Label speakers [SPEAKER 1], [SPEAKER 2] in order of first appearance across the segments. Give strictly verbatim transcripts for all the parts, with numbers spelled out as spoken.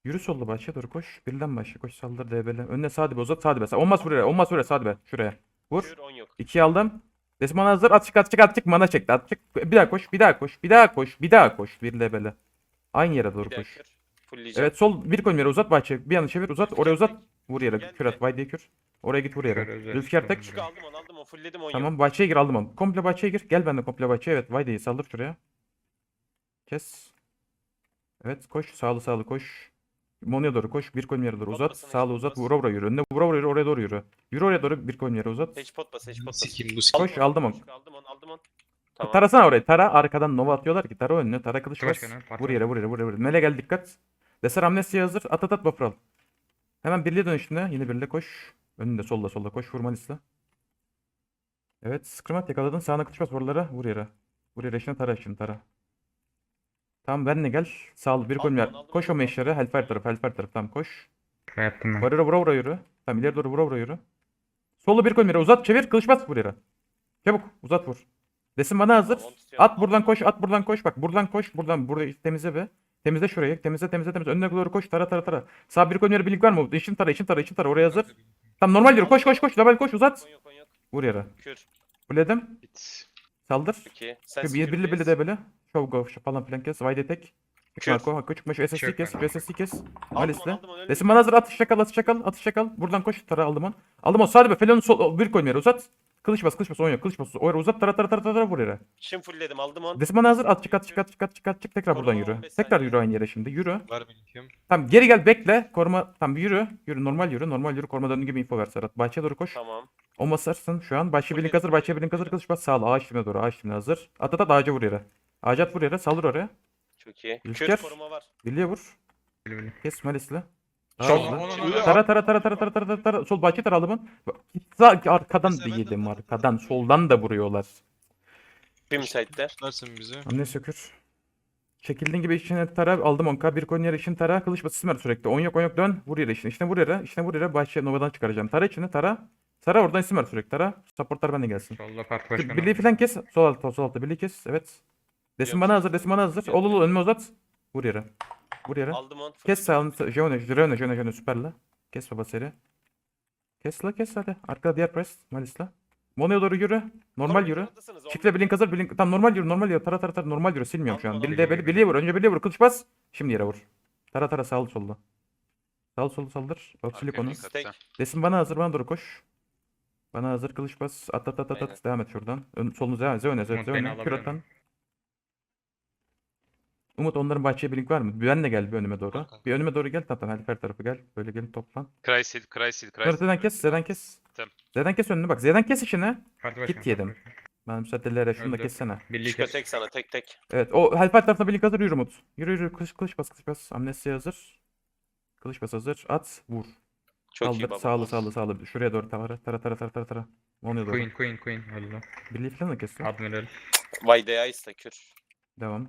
[SPEAKER 1] Yürü sollu bahçeye doğru koş. Birden başla koş saldır D B'le. Önüne sağ dibe uzat sağ dibe. Olmaz buraya. Olmaz buraya sağ dibe. Şuraya. Vur.
[SPEAKER 2] Kür on yok.
[SPEAKER 1] ikiyi aldım. Desman hazır. At çık at çık at çık. Mana çekti. At çık. Bir daha koş. Bir daha koş. Bir daha koş. Bir daha koş. Bir D B'le. Aynı yere doğru
[SPEAKER 2] Bir daha
[SPEAKER 1] koş.
[SPEAKER 2] kür. Fullleyeceğim.
[SPEAKER 1] Evet sol bir koyun yere uzat bahçe. Bir yana çevir uzat. Oraya uzat. Vur yere.
[SPEAKER 2] Gel,
[SPEAKER 1] Kür at.
[SPEAKER 2] gel.
[SPEAKER 1] Vay diye kür. Oraya git vur yere.
[SPEAKER 3] Şöyle özel
[SPEAKER 1] Rüzgar
[SPEAKER 3] tutalım
[SPEAKER 1] tek.
[SPEAKER 2] Kür
[SPEAKER 3] buraya.
[SPEAKER 2] aldım onu aldım onu. Fullledim on yok.
[SPEAKER 1] Tamam bahçeye gir aldım onu. Komple bahçeye gir. Gel benimle komple bahçeye. Evet vay diye saldır şuraya. Kes. Evet koş. Sağlı sağlı koş. Mono'ya doğru koş. Bir koyun yere doğru uzat.
[SPEAKER 2] Potlasana,
[SPEAKER 1] Sağlı
[SPEAKER 2] hiç
[SPEAKER 1] uzat.
[SPEAKER 2] potlas.
[SPEAKER 1] Vura vura yürü. Önüne vura vura yürü. Oraya doğru yürü. Yürü oraya doğru. Bir koyun yere uzat.
[SPEAKER 2] Hiç pot bas, hiç pot bas.
[SPEAKER 4] Sikim bu sikim.
[SPEAKER 1] Koş aldım onu.
[SPEAKER 2] Aldım onu, aldım onu. Tamam.
[SPEAKER 1] Tarasana orayı. Tara arkadan nova atıyorlar ki. Tara önüne. Tara kılıç bas.
[SPEAKER 3] Başkanı, parti
[SPEAKER 1] Vur yere vur yere vur yere. Mele gel dikkat. Deser amnesiye hazır. At at at buffer al. Hemen birliğe dön üstüne. Yine birliğe koş. Önünde solda solda koş. Vur Manis'le. Evet. Screamat yakaladın. Sağına kılıç bas oralara. Vur yere. Vur yere. Şimdi tara şimdi tara. Tamam benle gel. Sağ ol. Bir
[SPEAKER 2] Aldım
[SPEAKER 1] koyun yer.
[SPEAKER 2] onu, aldım
[SPEAKER 1] Koş
[SPEAKER 2] onu.
[SPEAKER 1] o meşlere. Hellfire tarafı. Hellfire tarafı. Tamam koş.
[SPEAKER 3] Şöyle yaptım ben.
[SPEAKER 1] Varıra vura vura yürü. Tamam ileri doğru vura vura yürü. Solu bir koyun yere. Uzat çevir. Kılıç bas vur yere. Çabuk uzat vur. Desin bana hazır.
[SPEAKER 2] Tamam, onu tutuyorum.
[SPEAKER 1] At buradan koş. At buradan koş. Bak buradan koş. Buradan burada temizle be. Temizle şurayı. Temizle temizle temizle. Önüne doğru koş. Tara tara tara. Sağ bir koyun yere birlik var mı? İçin tara için tara için tara. Oraya hazır. Tamam normal yürü. Koş koş koş. Double koş uzat.
[SPEAKER 2] On yok, on yok.
[SPEAKER 1] Vur yere.
[SPEAKER 2] Kür.
[SPEAKER 1] Fuledim.
[SPEAKER 4] Bit.
[SPEAKER 1] Saldır.
[SPEAKER 2] iki. Sen
[SPEAKER 1] Bir birli birli
[SPEAKER 2] birli
[SPEAKER 1] de böyle. Show go şu falan filan kes. Vayde tek.
[SPEAKER 2] Kür.
[SPEAKER 1] Marco hakkı çıkmış. S S C
[SPEAKER 3] Çök
[SPEAKER 1] kes.
[SPEAKER 3] ben.
[SPEAKER 1] S S C kes.
[SPEAKER 2] Aldım
[SPEAKER 1] Malis'le.
[SPEAKER 2] onu, aldım onu.
[SPEAKER 1] Resim bana hazır. Atış çakal atış çakal atış çakal. Buradan koş. Tara aldım on. Aldım on. Sağ be. Felon'un sol bir koyun yere uzat. Kılıç bas kılıç bas. Oynuyor. Kılıç bas. Oraya uzat. Tara tara tara tara vur yere.
[SPEAKER 2] Şimdi fullledim, aldım onu.
[SPEAKER 1] Resim bana hazır. At çık at çık at çık at çık at çık. Tekrar buradan
[SPEAKER 2] Koruma
[SPEAKER 1] yürü.
[SPEAKER 2] on beş
[SPEAKER 1] Tekrar
[SPEAKER 2] saniye.
[SPEAKER 1] yürü aynı yere şimdi. Yürü.
[SPEAKER 4] Var benim kim?
[SPEAKER 1] Tamam geri gel bekle. Koruma. Tamam yürü. Yürü normal yürü. Normal yürü. Koruma döndüğü gibi info ver Serhat. Bahçeye doğru koş.
[SPEAKER 2] Tamam.
[SPEAKER 1] O basarsın şu an. Bahçe birlik
[SPEAKER 2] Full
[SPEAKER 1] hazır. Bahçe birlik hazır. Kılıç bas. Sağ ol. Ağaç dibine doğru. Ağaç dibine hazır. At at at ağaca vur yere. Ağaca at vur yere. Saldır oraya.
[SPEAKER 2] Çok iyi.
[SPEAKER 1] Rüzgar.
[SPEAKER 2] Kür koruma var.
[SPEAKER 1] Birliğe vur.
[SPEAKER 3] Böyle böyle.
[SPEAKER 1] Kes Malis'le. Daha
[SPEAKER 3] Sol.
[SPEAKER 1] hızlı.
[SPEAKER 3] Onu-
[SPEAKER 4] Şimdi-
[SPEAKER 1] Tara tara tara tara tara tara tara tara. Sol bahçe tara alımın. Sağ arkadan
[SPEAKER 4] Mesela ben de
[SPEAKER 1] değilim
[SPEAKER 4] atladım.
[SPEAKER 1] arkadan. Soldan da vuruyorlar.
[SPEAKER 2] Bir müsaitler.
[SPEAKER 4] Tutarsın bizi.
[SPEAKER 1] Anne sökür. Çekildiğin gibi içine tara aldım on k bir koyun yere için tara kılıç batı simer sürekli. On yok on yok dön vur yere içine. İçine vur yere. İçine vur yere bahçe novadan çıkaracağım. Tara içine tara. Tara oradan simer sürekli tara. Supportlar bende gelsin.
[SPEAKER 3] Solda parti başkanı.
[SPEAKER 1] Birliği falan kes. Sol altta sol altta birliği kes. Evet. Desin bana hazır desin bana hazır. Ol ol ol, önüme uzat. Vur yere. Vur yere.
[SPEAKER 2] Aldım onu.
[SPEAKER 1] Kes sağını. Jone Jone Jone Jone süperle. Kes baba seri. Kes la kes hadi. Arkada diğer press. Malis'la. Mono'ya doğru yürü. Normal yürü. Çiftle blink hazır blink. Tam normal yürü normal yürü. Tara tara tara normal yürü. Silmiyorum şu an.
[SPEAKER 2] Aldım,
[SPEAKER 1] Birliğe
[SPEAKER 3] aldım.
[SPEAKER 1] beli birliğe vur. Önce birliğe vur. Kılıç bas. Şimdi yere vur. Tara tara sağlı solda. Sağlı solda saldır. Oksilik onu.
[SPEAKER 2] Tek.
[SPEAKER 1] Desin bana hazır bana doğru koş. Bana hazır kılıç bas. At at at at.
[SPEAKER 2] Aynen.
[SPEAKER 1] at. Devam et şuradan. Ön, solunu devam et. Zeyone
[SPEAKER 3] Umut
[SPEAKER 1] Zeyone.
[SPEAKER 3] beni
[SPEAKER 1] Zeyone. Kür
[SPEAKER 3] alabilir
[SPEAKER 1] atan.
[SPEAKER 3] mi?
[SPEAKER 1] Umut onların bahçeye blink var mı? Ben de gel bir önüme doğru.
[SPEAKER 4] Kanka.
[SPEAKER 1] Bir önüme doğru gel. Tamam her tarafı gel. Böyle gelin toplan.
[SPEAKER 4] Crysil, Crysil,
[SPEAKER 1] Sonra Z'den kes, Z'den kes.
[SPEAKER 4] Tamam.
[SPEAKER 1] Z'den kes önünü bak. Z'den kes işini.
[SPEAKER 3] Parti başkanı.
[SPEAKER 1] Git yedim.
[SPEAKER 3] parti başkanı.
[SPEAKER 1] Ben müsaadelere şunu da
[SPEAKER 3] Öldü.
[SPEAKER 1] kessene.
[SPEAKER 3] Birliği
[SPEAKER 2] Çıkıyor
[SPEAKER 3] kes.
[SPEAKER 2] tek sana, tek tek.
[SPEAKER 1] Evet o Hellfire tarafına birlik hazır yürü Umut. Yürü yürü kılıç kılıç bas kılıç bas. Amnesiye hazır. Kılıç bas hazır. At vur.
[SPEAKER 2] Çok iyi
[SPEAKER 1] Kaldır
[SPEAKER 2] baba.
[SPEAKER 1] sağlı sağlı sağlı. Şuraya doğru tara tara tara tara tara tara. Mono'ya doğru.
[SPEAKER 3] Queen Queen Queen. Öldü.
[SPEAKER 1] Birliği falan da kessin.
[SPEAKER 3] Admiral.
[SPEAKER 2] Vay Deais da kür.
[SPEAKER 1] Devam.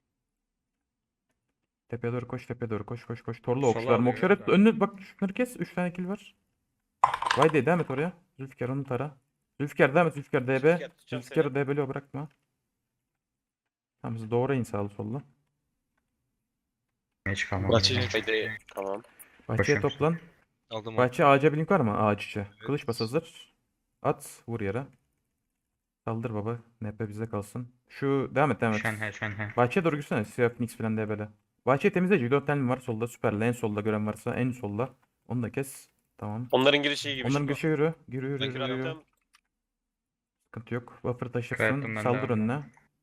[SPEAKER 1] Tepeye doğru koş tepeye doğru koş koş koş. Torlu
[SPEAKER 3] Sola
[SPEAKER 1] okçular
[SPEAKER 3] alıyor
[SPEAKER 1] mokşlar hep
[SPEAKER 3] galiba.
[SPEAKER 1] önünü bak şunları kes. üç tane kill var. Vay de devam et oraya. Zülfikar onu tara. Zülfikar devam et Zülfikar D B.
[SPEAKER 2] Zülfikar, tutacağım
[SPEAKER 1] Zülfikar'ı D B'li bırakma. Tamam siz doğru in sağlı sollu.
[SPEAKER 3] Hiç kalmadı.
[SPEAKER 4] Bahçeli.
[SPEAKER 2] Haydi. Tamam.
[SPEAKER 1] Bahçeye
[SPEAKER 3] Koşuyorum.
[SPEAKER 1] toplan.
[SPEAKER 4] Aldım onu.
[SPEAKER 1] Bahçe ağaca blink var mı? Ağaç içi. Kılıç bas hazır. At vur yere. Saldır baba. N P bizde kalsın. Şu devam et devam et.
[SPEAKER 3] Şenhe Şenhe.
[SPEAKER 1] Bahçeye doğru gitsene. Siyah Phoenix falan D B'li. Bahçeyi temizle. dört tane var solda. Süperle. En solda gören varsa en solda. Onu da kes. Tamam.
[SPEAKER 2] Onların girişi iyi gibi.
[SPEAKER 1] Onların
[SPEAKER 2] şimdi.
[SPEAKER 1] girişe yürü. Yürü yürü
[SPEAKER 4] Ben
[SPEAKER 1] yürü.
[SPEAKER 4] kür
[SPEAKER 1] yürü.
[SPEAKER 2] Attım.
[SPEAKER 1] Sıkıntı yok. Buffer taşırsın.
[SPEAKER 3] Kayıttım ben
[SPEAKER 1] Saldır
[SPEAKER 3] de.
[SPEAKER 1] önüne.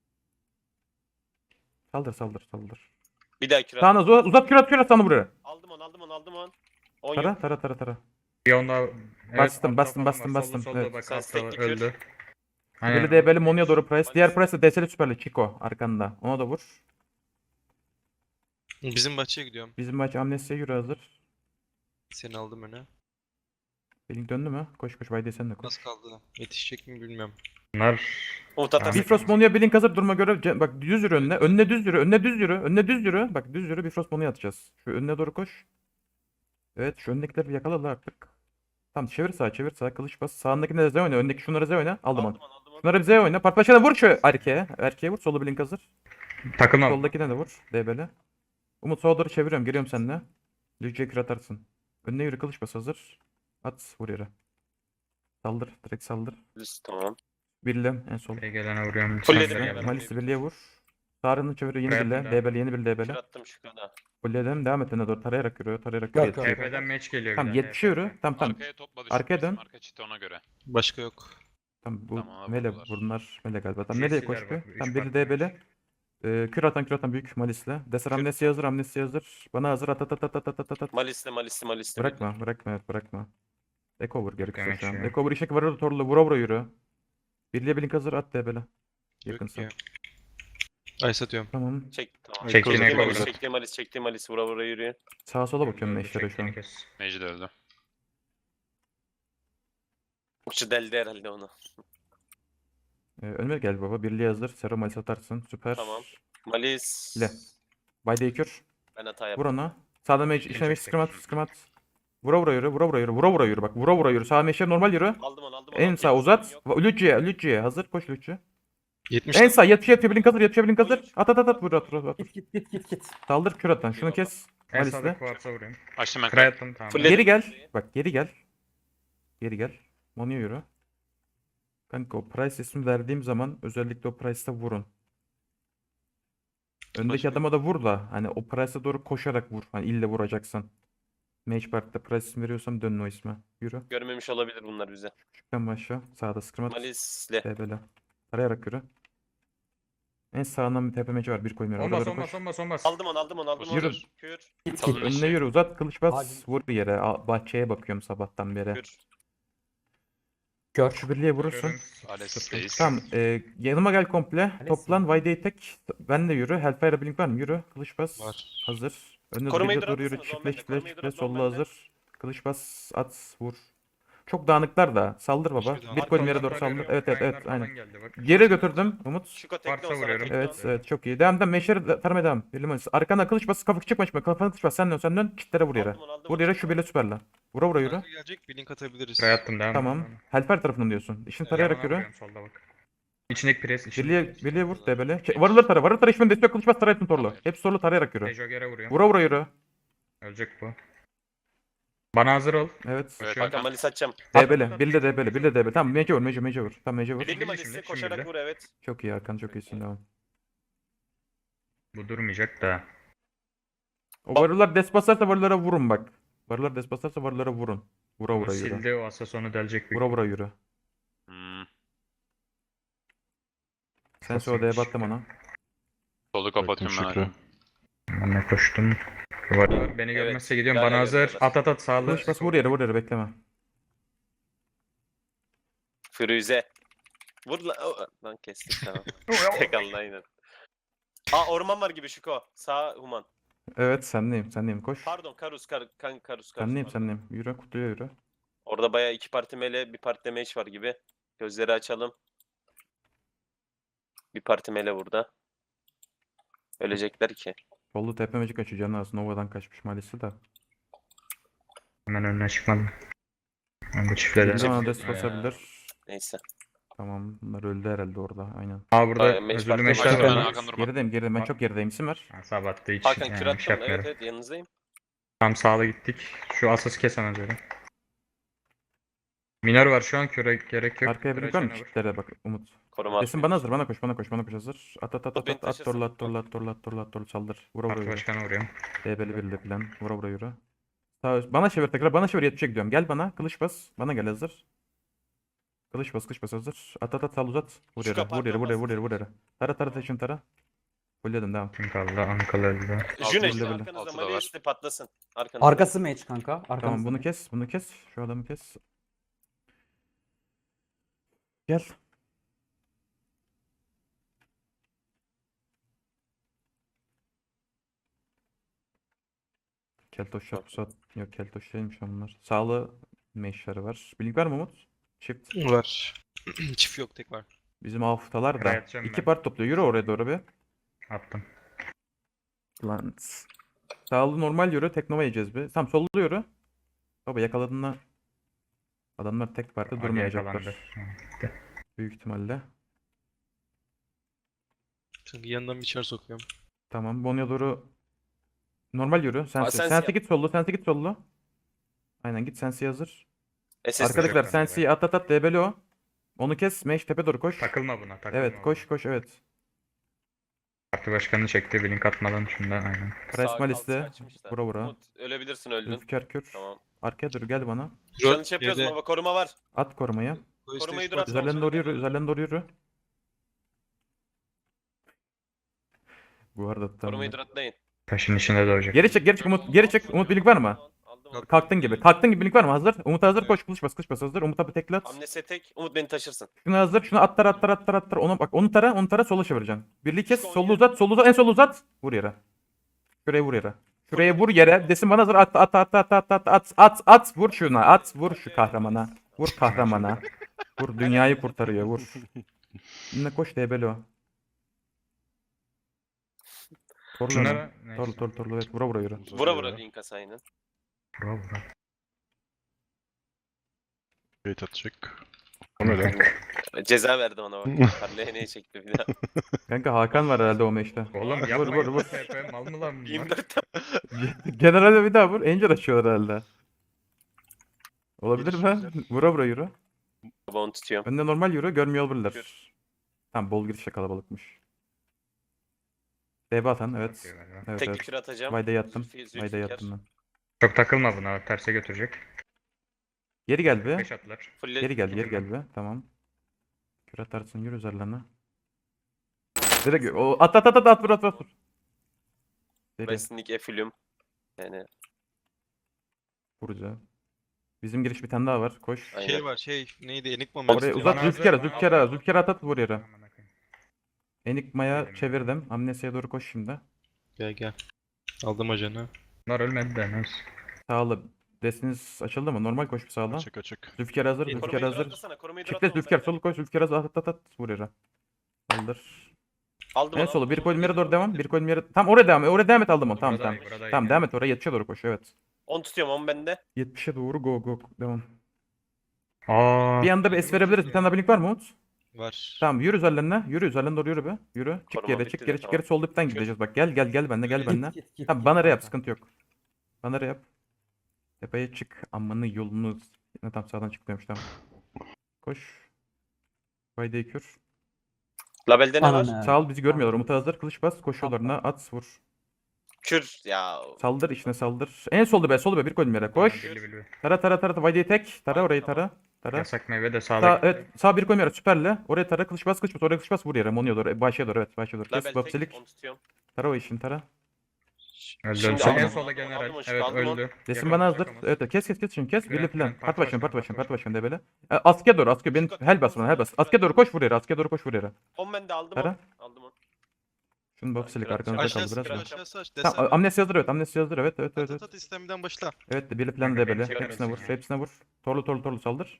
[SPEAKER 1] Saldır saldır saldır.
[SPEAKER 2] Bir daha kür attım.
[SPEAKER 1] Sağına uzat, uzat kürat kürat sana buraya.
[SPEAKER 2] Aldım onu, aldım onu, aldım onu. On
[SPEAKER 1] Tara
[SPEAKER 2] yok.
[SPEAKER 1] tara tara tara.
[SPEAKER 3] Bir onda evet,
[SPEAKER 1] Bastım,
[SPEAKER 3] altta
[SPEAKER 1] bastım,
[SPEAKER 3] falan
[SPEAKER 1] bastım,
[SPEAKER 3] var.
[SPEAKER 1] bastım.
[SPEAKER 3] Solda, solda
[SPEAKER 1] Evet.
[SPEAKER 3] bak
[SPEAKER 2] Sen
[SPEAKER 3] altta
[SPEAKER 2] stack'li kür.
[SPEAKER 3] öldü.
[SPEAKER 1] Böyle D B'li Mono'ya doğru price. Diğer price de D S'li süperli Chico arkanda. Ona da vur.
[SPEAKER 4] Bizim bahçeye gidiyorum.
[SPEAKER 1] Bizim maç amnesiye yürü hazır.
[SPEAKER 4] Seni aldım öne.
[SPEAKER 1] Belin döndü mü? Koş koş Vayde sen de koş.
[SPEAKER 4] Nasıl kaldı? Yetişecek mi bilmiyorum.
[SPEAKER 3] Bunlar
[SPEAKER 2] Umut atar.
[SPEAKER 3] Tamam.
[SPEAKER 1] Bifrost Mono'ya Blink hazır durma göre ce- bak düz yürü önüne. Önüne düz yürü. Önüne düz yürü. Önüne düz yürü. Bak düz yürü Bifrost Mono'ya atacağız. Şu önüne doğru koş. Evet şu öndekileri bir yakala la artık. Tamam çevir sağa çevir sağa kılıç bas. Sağındakine de Z oyna. Öndeki şunları Z oyna. Aldım onu.
[SPEAKER 2] Aldım onu, aldım onu.
[SPEAKER 1] Şunları bir Z oyna. Partlaşana vur şu erkeğe. Erkeğe vur. Solu Blink hazır.
[SPEAKER 3] takılma.
[SPEAKER 1] Soldakine de vur. D B'le. Umut sola doğru çeviriyorum. Geliyorum seninle. Lüce'ye kür atarsın. Önüne yürü, kılıç bas hazır. At vur yere. Saldır. Direkt saldır.
[SPEAKER 2] Düz, tamam.
[SPEAKER 1] Birle en sol.
[SPEAKER 3] Buraya gelene vuruyorum.
[SPEAKER 2] Fulledim
[SPEAKER 3] Sen de
[SPEAKER 2] ya
[SPEAKER 3] gel.
[SPEAKER 2] ben.
[SPEAKER 1] Malis'i birliğe vur. Sağrını çeviriyor yeni
[SPEAKER 3] Buraya
[SPEAKER 1] birle.
[SPEAKER 3] attım
[SPEAKER 1] Debeli yeni bir
[SPEAKER 2] Kür
[SPEAKER 1] debeli.
[SPEAKER 2] attım şu kadar.
[SPEAKER 1] Fulledim. Devam et önüne doğru. Tarayarak yürü. Tarayarak
[SPEAKER 5] Gör,
[SPEAKER 1] yürü.
[SPEAKER 5] gör.
[SPEAKER 1] yetmişe.
[SPEAKER 3] T P'den match geliyor.
[SPEAKER 1] Tamam
[SPEAKER 3] bir daha,
[SPEAKER 1] yetmişe yürü.
[SPEAKER 3] T P.
[SPEAKER 1] Tamam tamam.
[SPEAKER 6] Arkaya topla
[SPEAKER 1] Arkaya
[SPEAKER 6] düşürmesin.
[SPEAKER 1] dön.
[SPEAKER 6] Arka çiti ona göre.
[SPEAKER 4] Başka yok.
[SPEAKER 1] Tamam bu
[SPEAKER 6] Tamam,
[SPEAKER 1] mele
[SPEAKER 6] vurdular.
[SPEAKER 1] bunlar mele galiba. Tamam
[SPEAKER 3] J
[SPEAKER 1] nereye
[SPEAKER 3] C'ler
[SPEAKER 1] koş
[SPEAKER 3] bak,
[SPEAKER 1] bir?
[SPEAKER 3] üç
[SPEAKER 1] Tamam biri
[SPEAKER 3] farklı
[SPEAKER 1] debeli. Ee, kür atan kür atan büyük Malis'le. Desar amnesi hazır amnesi hazır. Bana hazır at at at at at at at at.
[SPEAKER 2] Malisli malisli malisli.
[SPEAKER 1] Bırakma bırakma evet bırakma. Ekover gerekirse
[SPEAKER 3] Demek
[SPEAKER 1] şu an.
[SPEAKER 3] şu.
[SPEAKER 1] Ekover işek var orada torlu vura vura yürü. Birliğe blink hazır at debeli. Yakınsa.
[SPEAKER 4] Yok ya. Ice atıyorum.
[SPEAKER 1] Tamam.
[SPEAKER 2] Çek tamam.
[SPEAKER 3] Çektiğine
[SPEAKER 2] Çektiğim
[SPEAKER 3] koy
[SPEAKER 2] malis,
[SPEAKER 3] burada.
[SPEAKER 2] çektiğim malis, çektiğim malis. Vura vura yürüyor.
[SPEAKER 1] Sağa sola
[SPEAKER 3] ya.
[SPEAKER 1] bakıyorum
[SPEAKER 3] Öldü,
[SPEAKER 1] meşlere şu an.
[SPEAKER 3] çektiğini kes.
[SPEAKER 6] Mage de öldü.
[SPEAKER 2] Okçu deldi herhalde onu.
[SPEAKER 1] Ee, önüme gel baba. Birliğe hazır. Sero Malis atarsın. Süper.
[SPEAKER 2] Tamam. Malis.
[SPEAKER 1] Le. Bayde kür.
[SPEAKER 2] Ben hata
[SPEAKER 1] Vur
[SPEAKER 2] yaptım.
[SPEAKER 1] ona. Sağda mage
[SPEAKER 3] İkinci
[SPEAKER 1] işine mage
[SPEAKER 3] tek.
[SPEAKER 1] scrim at scrim at. Vura vura yürü. Vura vura yürü. Vura vura yürü. Bak vura vura yürü. Sağ meşe normal yürü.
[SPEAKER 2] Aldım onu aldım onu.
[SPEAKER 1] En
[SPEAKER 2] aldım.
[SPEAKER 1] sağ
[SPEAKER 2] Yok,
[SPEAKER 1] uzat.
[SPEAKER 2] yok.
[SPEAKER 1] Lütçüye, Lütçüye. Hazır. Koş Lütçü.
[SPEAKER 4] yetmiş.
[SPEAKER 1] En sağ yetmiş yetmiş blink hazır. yetmiş blink hazır.
[SPEAKER 2] Buyur.
[SPEAKER 1] At at at at. Vur at vur at.
[SPEAKER 5] Git git git git git.
[SPEAKER 1] Saldır kür atan. Şunu
[SPEAKER 2] Eyvallah.
[SPEAKER 1] kes.
[SPEAKER 3] En sağda
[SPEAKER 1] Malis'le.
[SPEAKER 3] kuartsa vuruyorum.
[SPEAKER 6] Açtım ben.
[SPEAKER 3] Kray attım tamam.
[SPEAKER 2] Fulle-
[SPEAKER 1] Geri gel. Bak geri gel. Geri gel. Mono'ya yürü. Kanka o price ismi verdiğim zaman özellikle o price'ta vurun. Öndeki
[SPEAKER 4] Başka-
[SPEAKER 1] adama da vur da hani o price'a doğru koşarak vur. Hani ille vuracaksan. Mage Park'ta price ismi veriyorsam dönün o isme. Yürü.
[SPEAKER 2] Görmemiş olabilir bunlar bize.
[SPEAKER 1] Küçükten başla. Sağda scrim at.
[SPEAKER 2] Malisli.
[SPEAKER 1] Tepele. Tarayarak yürü. En sağından bir tepemeci var. Bir koymuyor. Orada
[SPEAKER 3] Olmaz
[SPEAKER 1] doğru
[SPEAKER 3] olmaz
[SPEAKER 1] koş.
[SPEAKER 3] olmaz olmaz.
[SPEAKER 2] Aldım onu aldım onu aldım onu.
[SPEAKER 1] Yürü.
[SPEAKER 2] Kür.
[SPEAKER 5] Git
[SPEAKER 6] Salın
[SPEAKER 5] git.
[SPEAKER 6] eşeği.
[SPEAKER 1] Önüne yürü uzat. Kılıç bas.
[SPEAKER 5] Hadi.
[SPEAKER 1] Vur bir yere. Aa, bahçeye bakıyorum sabahtan beri.
[SPEAKER 2] Kür.
[SPEAKER 5] Gör.
[SPEAKER 1] Şu birliğe vurursun.
[SPEAKER 3] Görüyorum.
[SPEAKER 6] Ales'teyiz.
[SPEAKER 1] Tamam. E, yanıma gel komple.
[SPEAKER 5] Ales
[SPEAKER 1] Toplan.
[SPEAKER 5] mi?
[SPEAKER 1] Vayde'yi tek. Ben de yürü. Hellfire Blink var mı? Yürü. Kılıç bas.
[SPEAKER 4] Var.
[SPEAKER 1] Hazır. Önüne
[SPEAKER 2] Korumayı
[SPEAKER 1] doğru doğru yürü.
[SPEAKER 2] duratırsanız on
[SPEAKER 1] Çiftle
[SPEAKER 2] bende,
[SPEAKER 1] çiftle
[SPEAKER 2] korumayı
[SPEAKER 1] çiftle.
[SPEAKER 2] duratın on
[SPEAKER 1] Solla
[SPEAKER 2] bende.
[SPEAKER 1] hazır. Kılıç bas. At. Vur. Çok dağınıklar da. Saldır baba.
[SPEAKER 4] Hiçbir
[SPEAKER 1] Bir
[SPEAKER 4] dağınık
[SPEAKER 1] koyun yere
[SPEAKER 3] Arkamdan
[SPEAKER 1] doğru saldır.
[SPEAKER 3] arıyorum,
[SPEAKER 1] Evet evet
[SPEAKER 3] Kaynlar
[SPEAKER 1] evet.
[SPEAKER 3] falan
[SPEAKER 1] Aynen.
[SPEAKER 3] geldi bak.
[SPEAKER 1] Geri götürdüm. Umut.
[SPEAKER 2] Şuko
[SPEAKER 3] Varsa
[SPEAKER 2] tekne olsa
[SPEAKER 3] vuruyorum.
[SPEAKER 2] tekne
[SPEAKER 1] Evet
[SPEAKER 2] olsa.
[SPEAKER 1] evet çok iyi. Devam devam. Meşeri taramaya devam. Bir limon. Arkana kılıç bas. Kafa çıkma çıkma. Kafana kılıç bas. Sen dön sen dön. Çitlere vur yere.
[SPEAKER 2] Aldım onu, aldım
[SPEAKER 1] Vur
[SPEAKER 2] onu,
[SPEAKER 1] yere
[SPEAKER 2] çıktı.
[SPEAKER 1] şu bile süperle. Vura vura yürü.
[SPEAKER 4] Arka gelecek bir link atabiliriz.
[SPEAKER 3] Kray attım devam.
[SPEAKER 1] Tamam. Hellfire tarafından diyorsun. İşini tarayarak
[SPEAKER 3] Yanına
[SPEAKER 1] yürü.
[SPEAKER 3] vuruyorum solda bak. İçindeki pres. içindeki
[SPEAKER 1] Birliğe,
[SPEAKER 3] pres.
[SPEAKER 1] birliğe vur debele. Şey, varılır tara. Varılır tara. İşmen destek kılıç bas. Tarayatın torlu. Hepsi torlu tarayarak yürü.
[SPEAKER 3] Dejogger'e vuruyorum.
[SPEAKER 1] Vura vura yürü.
[SPEAKER 3] Ölecek bu. Bana hazır ol.
[SPEAKER 1] Evet.
[SPEAKER 6] Evet,
[SPEAKER 2] Kanka
[SPEAKER 6] Hakan.
[SPEAKER 2] malis atacağım.
[SPEAKER 1] Debele. Bir de debele. Bir de debele. Tamam mece vur. Mece mece vur. Tamam mece vur.
[SPEAKER 2] Bildi
[SPEAKER 3] Şimdi,
[SPEAKER 2] malisli
[SPEAKER 3] şimdi,
[SPEAKER 2] koşarak
[SPEAKER 3] şimdi.
[SPEAKER 2] vur evet.
[SPEAKER 1] Çok iyi Hakan. Çok iyisin. Devam.
[SPEAKER 3] Bu durmayacak da.
[SPEAKER 1] O varılar des basarsa varılara vurun bak. Varılar des basarsa varılara vurun. Vura vura
[SPEAKER 3] Bunu
[SPEAKER 1] yürü.
[SPEAKER 3] sildi o asasonu delecek büyük.
[SPEAKER 1] Vura vura yürü.
[SPEAKER 6] Hmm.
[SPEAKER 1] Sen
[SPEAKER 3] Basın
[SPEAKER 1] sonra D'ye
[SPEAKER 3] çıktı.
[SPEAKER 1] battım ona.
[SPEAKER 6] Solu kapatıyorum ben hala.
[SPEAKER 3] Ben de koştum. Var. Beni
[SPEAKER 2] Evet,
[SPEAKER 3] görmezse gidiyorum.
[SPEAKER 2] hala
[SPEAKER 3] Bana hazır.
[SPEAKER 2] görüyorlar.
[SPEAKER 3] At at at sağlı.
[SPEAKER 1] Kılıç bas vur yere vur yere bekleme.
[SPEAKER 2] Firuze. Vur lan. O- Lan kestik tamam. Tek alın aynen. Aa orman var gibi Şuko. Sağ human.
[SPEAKER 1] Evet sendeyim sendeyim koş.
[SPEAKER 2] Pardon Karus kar, kan Karus Karus.
[SPEAKER 1] Sendeyim
[SPEAKER 2] pardon.
[SPEAKER 1] sendeyim. Yürü kutuya yürü.
[SPEAKER 2] Orada bayağı iki parti mele bir parti de mage var gibi. Gözleri açalım. Bir parti mele burada. Ölecekler ki.
[SPEAKER 1] Sollu tepemecik açıyor canı az. Nova'dan kaçmış maalesef de.
[SPEAKER 3] Hemen önüne çıkmadım. Ben bu çiftle
[SPEAKER 1] Bir
[SPEAKER 3] de.
[SPEAKER 1] bana des
[SPEAKER 2] Ya.
[SPEAKER 1] basabilir.
[SPEAKER 2] Neyse.
[SPEAKER 1] Tamam bunlar öldü herhalde orada aynen.
[SPEAKER 3] Aa burada
[SPEAKER 2] Bayağı meş
[SPEAKER 3] özürlü
[SPEAKER 2] parti
[SPEAKER 3] meşler
[SPEAKER 2] var.
[SPEAKER 6] Hakan,
[SPEAKER 3] var.
[SPEAKER 6] Hakan durma.
[SPEAKER 1] Gerideyim gerideyim ben çok gerideyim. İsim ver.
[SPEAKER 3] Ha, sabahtı hiç
[SPEAKER 2] Hakan
[SPEAKER 3] yani,
[SPEAKER 2] kür
[SPEAKER 3] bir
[SPEAKER 2] attım.
[SPEAKER 3] şey
[SPEAKER 2] Evet
[SPEAKER 3] yapmıyorum.
[SPEAKER 2] evet yanınızdayım.
[SPEAKER 3] Tam sağlı gittik. Şu asası kesemez öyle. Minör var şu an küre gerek yok.
[SPEAKER 1] Arkaya
[SPEAKER 3] Küre
[SPEAKER 1] bir var mı?
[SPEAKER 3] açana vur.
[SPEAKER 1] Çiftlere bak Umut.
[SPEAKER 2] Koruma
[SPEAKER 1] Desin
[SPEAKER 2] atmıyor.
[SPEAKER 1] bana hazır bana koş bana koş bana koş hazır. At at at
[SPEAKER 2] Dur,
[SPEAKER 1] at
[SPEAKER 2] beni
[SPEAKER 1] at at
[SPEAKER 2] taşırsın.
[SPEAKER 1] torla at torla at torla at torla at torla saldır. Vura vura
[SPEAKER 3] Parti
[SPEAKER 1] yürü.
[SPEAKER 3] başkanı vuruyorum.
[SPEAKER 1] Debeli birli plan. Vura vura yürü. Sağ üst. Bana çevir tekrar bana çevir yetmişe gidiyorum. Gel bana kılıç bas. Bana gel hazır. Kılıç bas kılıç bas hazır. At at at sal uzat. Vur
[SPEAKER 2] Şu
[SPEAKER 1] yere
[SPEAKER 2] kapı
[SPEAKER 1] vur yere vur yere
[SPEAKER 2] arkamdan
[SPEAKER 1] vur yere vur yere. Tara tara taşın tara. Fulledim devam.
[SPEAKER 3] Kim kaldı? Ankara öldü.
[SPEAKER 2] Jüne
[SPEAKER 1] Altı
[SPEAKER 2] işte
[SPEAKER 1] da
[SPEAKER 2] arkanızda
[SPEAKER 6] Altı da var.
[SPEAKER 2] Malisli patlasın. Arkanızda.
[SPEAKER 5] Arkası mage kanka. Arkamızda.
[SPEAKER 1] Tamam bunu kes bunu kes. Şu adamı kes. Gel. Keltoş yapsa yok keltoş değilmiş onlar. Sağlı meşleri var. Bilgi var mı Umut? Çift.
[SPEAKER 4] Var. Çift yok tek var.
[SPEAKER 1] Bizim haftalar da.
[SPEAKER 3] Buraya atacağım
[SPEAKER 1] İki
[SPEAKER 3] ben.
[SPEAKER 1] part topluyor. Yürü oraya doğru bir.
[SPEAKER 3] Attım.
[SPEAKER 1] Lan. Sağlı normal yürü. Teknova yiyeceğiz bir. Tamam sollu yürü. Baba yakaladığında adamlar tek parti
[SPEAKER 3] Ali
[SPEAKER 1] durmayacaklar.
[SPEAKER 3] yakalandı. Gitti.
[SPEAKER 1] Büyük ihtimalle.
[SPEAKER 4] Çünkü yanından bir içeri sokuyorum.
[SPEAKER 1] Tamam. Bonya doğru Normal yürü. Sensi.
[SPEAKER 2] Sensi
[SPEAKER 1] Sensi
[SPEAKER 2] yap.
[SPEAKER 1] git sollu. Sensi git sollu. Aynen git Sensi hazır.
[SPEAKER 2] S S
[SPEAKER 1] Arkadakiler
[SPEAKER 3] yok
[SPEAKER 1] Sensi'yi at at at debeli o. Onu kes. Meş tepe doğru koş.
[SPEAKER 3] Takılma buna. Takılma
[SPEAKER 1] Evet
[SPEAKER 3] buna.
[SPEAKER 1] koş koş evet.
[SPEAKER 3] Parti başkanı çekti. Bir link atmadan şundan aynen.
[SPEAKER 1] Price Malis'te. Vura vura.
[SPEAKER 2] Umut ölebilirsin öldün.
[SPEAKER 1] Zülfikar kür.
[SPEAKER 2] Tamam.
[SPEAKER 1] Arkaya dur gel bana.
[SPEAKER 2] Şu an şey yapıyoruz
[SPEAKER 4] Yerde-
[SPEAKER 2] baba koruma var.
[SPEAKER 1] At korumayı.
[SPEAKER 4] Koy
[SPEAKER 2] Korumayı
[SPEAKER 4] stage
[SPEAKER 2] dur at.
[SPEAKER 4] parti.
[SPEAKER 1] Üzerlerine doğru yürü. Üzerlerine doğru yürü. Bu arada tam.
[SPEAKER 2] Korumayı duratlayın.
[SPEAKER 3] Taşın içinde doğacak.
[SPEAKER 1] Geri çek geri çek Umut. Geri çek. Umut birlik var mı?
[SPEAKER 2] Aldım onu.
[SPEAKER 1] Kalktın gibi. Kalktın gibi birlik var mı? Hazır. Umut hazır. Koş kılıç bas kılıç bas hazır. Umut abi tekle at.
[SPEAKER 2] Amnese tek. Umut beni taşırsın.
[SPEAKER 1] Şunu hazır. Şunu atlar atlar atlar atlar. Onu bak onu tara onu tara sola çevireceksin. Birliği kes. Sollu uzat. Sollu uzat. En sol uzat. Vur yere. Şuraya vur yere. Şuraya vur yere. Desin bana hazır. At at at at at at at at at. Vur şuna. At. Vur şu kahramana. Vur kahramana. Vur dünyayı kurtarıyor. Vur. Yine koş debeli o. Torlu
[SPEAKER 3] Şunlara
[SPEAKER 1] onu.
[SPEAKER 3] neyse.
[SPEAKER 1] Torlu torlu torlu. Evet vura vura yürü.
[SPEAKER 2] Vura vura Linkas aynen.
[SPEAKER 3] Vura vura.
[SPEAKER 7] Gate atacak.
[SPEAKER 2] Ceza verdim ona bak. Parleyeneye çekti bir daha.
[SPEAKER 1] Kanka Hakan var herhalde o meşte.
[SPEAKER 3] Oğlum
[SPEAKER 1] Vur,
[SPEAKER 3] yapma
[SPEAKER 1] vur,
[SPEAKER 3] vur,
[SPEAKER 1] vur.
[SPEAKER 3] Mal mı lan bunlar?
[SPEAKER 2] yirmi dört
[SPEAKER 1] Generalde bir daha vur. Angel açıyorlar herhalde. Olabilir mi?
[SPEAKER 7] Gelişimler.
[SPEAKER 1] Vura vura yürü.
[SPEAKER 2] baba onu tutuyorum.
[SPEAKER 1] Önde normal yürü. Görmüyor
[SPEAKER 2] Yürü.
[SPEAKER 1] olabilirler. Tamam bol girişle kalabalıkmış. B B atan evet.
[SPEAKER 3] Bakıyor galiba.
[SPEAKER 1] Evet
[SPEAKER 2] Tek bir
[SPEAKER 1] evet.
[SPEAKER 2] kür atacağım.
[SPEAKER 1] Vayda yattım.
[SPEAKER 2] Zülfi-
[SPEAKER 1] Vayda
[SPEAKER 2] Zülfikar.
[SPEAKER 1] yattım ben.
[SPEAKER 3] Çok takılma buna. Terse götürecek.
[SPEAKER 1] Geri gel be.
[SPEAKER 3] Beş atlar.
[SPEAKER 2] Fulle-
[SPEAKER 1] Geri gel geri gel be. Tamam. Kür atarsın yürü üzerlerine. Direkt o at at at at at vur at vur. vur. Deri
[SPEAKER 2] Wrestling Efülüm. Yani
[SPEAKER 1] vuracağım. Bizim giriş bir tane daha var. Koş.
[SPEAKER 2] Aynen.
[SPEAKER 4] Şey var şey neydi Enigma
[SPEAKER 1] Oraya
[SPEAKER 4] Malis
[SPEAKER 1] uzat
[SPEAKER 3] Bana hazır,
[SPEAKER 1] Zülfikar'a
[SPEAKER 3] bana
[SPEAKER 1] Zülfikar'a
[SPEAKER 3] hazır.
[SPEAKER 1] Zülfikar'a at at vur yere.
[SPEAKER 3] Aman akıyım.
[SPEAKER 1] Enigma'ya
[SPEAKER 3] Benim.
[SPEAKER 1] çevirdim. Amnesia'ya doğru koş şimdi.
[SPEAKER 4] Gel gel. Aldım ajanı.
[SPEAKER 3] Bunlar ölmedi de neyse.
[SPEAKER 1] Sağlı. Desiniz açıldı mı? Normal koş bir sağla.
[SPEAKER 7] Açık açık.
[SPEAKER 1] Zülfikar hazır.
[SPEAKER 2] korumayı
[SPEAKER 1] Zülfikar hazır.
[SPEAKER 2] duratlasana. Korumayı
[SPEAKER 1] Çifte
[SPEAKER 2] duratla
[SPEAKER 1] Zülfikar
[SPEAKER 2] oğlum
[SPEAKER 1] solu koş. Zülfikar hazır. At at at. Vur yere. Kaldır.
[SPEAKER 2] Aldım
[SPEAKER 1] En
[SPEAKER 2] onu,
[SPEAKER 1] solu
[SPEAKER 2] aldım
[SPEAKER 1] bir
[SPEAKER 2] onu,
[SPEAKER 1] koydum yere
[SPEAKER 2] aldım
[SPEAKER 1] doğru devam.
[SPEAKER 2] onu.
[SPEAKER 1] Bir koydum yere. Tam oraya devam. Oraya devam et aldım onu. Tamam
[SPEAKER 3] Burada
[SPEAKER 1] tamam.
[SPEAKER 3] iyi, burada iyi.
[SPEAKER 1] Tamam devam et oraya. yetmişe doğru koş. Evet.
[SPEAKER 2] on tutuyorum on bende.
[SPEAKER 1] yetmişe doğru go go. Devam.
[SPEAKER 3] Aa.
[SPEAKER 1] Bir anda bir es verebiliriz. Bir tane daha blink var mı Umut?
[SPEAKER 4] Var.
[SPEAKER 1] Tamam yürü üzerlerine. Yürü üzerlerine doğru yürü be. Yürü. Çık
[SPEAKER 2] Koruma
[SPEAKER 1] geri
[SPEAKER 2] bitti
[SPEAKER 1] çık
[SPEAKER 2] de,
[SPEAKER 1] geri çık
[SPEAKER 2] tamam.
[SPEAKER 1] geri. Sol dipten gideceğiz. Bak gel gel gel benle gel benle.
[SPEAKER 5] Git, git, git,
[SPEAKER 1] Tamam
[SPEAKER 5] git
[SPEAKER 1] bana yap
[SPEAKER 5] kanka.
[SPEAKER 1] sıkıntı yok. Bana yap. Tepeye çık. Amanı yolunu. Ne tam sağdan çıkmıyormuş tamam. Koş. Fayda kür.
[SPEAKER 2] Labelde ne var?
[SPEAKER 5] Ananı.
[SPEAKER 1] Sağ ol bizi görmüyorlar. Umut'a hazır. Kılıç bas. Koşuyorlarına at vur.
[SPEAKER 2] Kür ya.
[SPEAKER 1] Saldır içine saldır. En solda be solda be bir koydum yere. Koş.
[SPEAKER 3] Bili bili.
[SPEAKER 1] Tara tara tara. Vayda'yı tek. Tara orayı tara. Tara.
[SPEAKER 3] Yasak meyve de
[SPEAKER 1] Sağ,
[SPEAKER 3] sağda.
[SPEAKER 1] evet sağ bir koyum yere süperle. Oraya tara kılıç bas kılıç bas. Oraya kılıç bas vur yere. Monuya doğru. Başa doğru evet. Başa doğru. Kes
[SPEAKER 2] Label tek
[SPEAKER 1] bapsilik.
[SPEAKER 2] on tutuyorum.
[SPEAKER 1] Tara o işin tara.
[SPEAKER 3] Öldü.
[SPEAKER 2] Şimdi
[SPEAKER 3] Sen en
[SPEAKER 2] aldım,
[SPEAKER 3] sola
[SPEAKER 2] aldım,
[SPEAKER 3] general.
[SPEAKER 2] aldım,
[SPEAKER 3] Evet
[SPEAKER 2] aldım onu.
[SPEAKER 3] öldü.
[SPEAKER 1] Desin
[SPEAKER 3] Yakamaz,
[SPEAKER 1] bana hazır.
[SPEAKER 3] yakamaz.
[SPEAKER 1] Evet evet, kes kes kes şimdi kes.
[SPEAKER 3] Güven,
[SPEAKER 1] Birli plan.
[SPEAKER 3] güven.
[SPEAKER 1] Parti
[SPEAKER 3] Parti
[SPEAKER 1] başkanı parti
[SPEAKER 3] başkanı,
[SPEAKER 1] başkanı
[SPEAKER 3] parti
[SPEAKER 1] parti başkanı de böyle. E, askıya doğru askıya. Benim hel bas bana hel bas. Askıya doğru koş vur yere. Askıya doğru koş vur yere.
[SPEAKER 2] on bende aldım
[SPEAKER 1] Tara.
[SPEAKER 2] on. Aldım on.
[SPEAKER 1] Şunu bapsilik
[SPEAKER 2] Biraz-
[SPEAKER 1] arkanızda kaldı
[SPEAKER 4] Aşağısı
[SPEAKER 1] biraz.
[SPEAKER 2] biraz-
[SPEAKER 1] da.
[SPEAKER 4] aşağısı aç.
[SPEAKER 1] Tamam
[SPEAKER 4] Desem.
[SPEAKER 1] amnesi hazır evet amnesi hazır evet evet evet.
[SPEAKER 4] At
[SPEAKER 1] evet.
[SPEAKER 4] at at istemden başla.
[SPEAKER 1] Evet de birli plan
[SPEAKER 3] Kanka,
[SPEAKER 1] de böyle.
[SPEAKER 3] beni çeker
[SPEAKER 1] Hepsine vur
[SPEAKER 3] misin ya?
[SPEAKER 1] hepsine vur. Torlu torlu torlu saldır.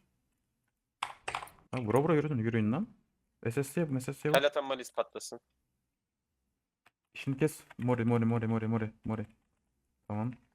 [SPEAKER 1] Ha, vura vura yürüdün yürüyün lan. S S C yap S S C yap.
[SPEAKER 2] Hala tam malis patlasın.
[SPEAKER 1] Şimdi kes. Mori mori mori mori mori mori. Tamam.